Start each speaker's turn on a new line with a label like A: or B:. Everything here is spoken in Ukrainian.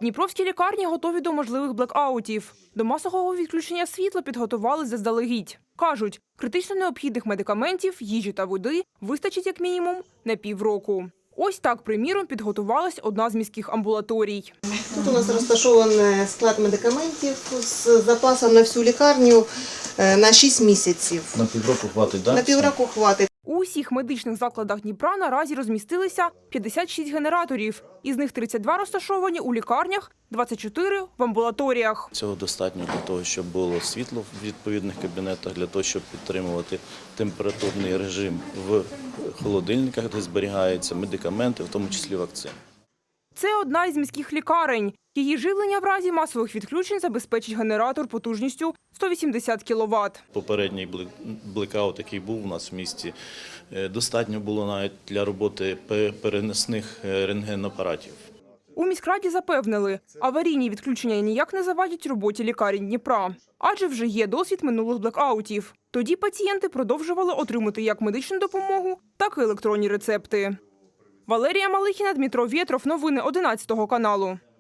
A: Дніпровські лікарні готові до можливих блекаутів. До масового відключення світла підготували заздалегідь. Кажуть, критично необхідних медикаментів, їжі та води вистачить як мінімум на півроку. Ось так, приміром, підготувалась одна з міських амбулаторій.
B: Тут у нас розташований склад медикаментів з запасом на всю лікарню на 6 місяців.
C: На півроку хватить, так?
B: На півроку хватить.
A: У усіх медичних закладах Дніпра наразі розмістилися 56 генераторів. Із них 32 розташовані у лікарнях, 24 – в амбулаторіях.
C: Цього достатньо для того, щоб було світло в відповідних кабінетах, для того, щоб підтримувати температурний режим в холодильниках, де зберігаються медикаменти, в тому числі вакцини.
A: Це одна із міських лікарень. Її живлення в разі масових відключень забезпечить генератор потужністю 180 кВт.
C: Попередній блекаут, який був у нас в місті, достатньо було навіть для роботи переносних рентгенапаратів.
A: У міськраді запевнили, аварійні відключення ніяк не завадять роботі лікарень Дніпра. Адже вже є досвід минулих блекаутів. Тоді пацієнти продовжували отримати як медичну допомогу, так і електронні рецепти. Валерія Малихіна, Дмитро Вєтров. Новини 11 каналу.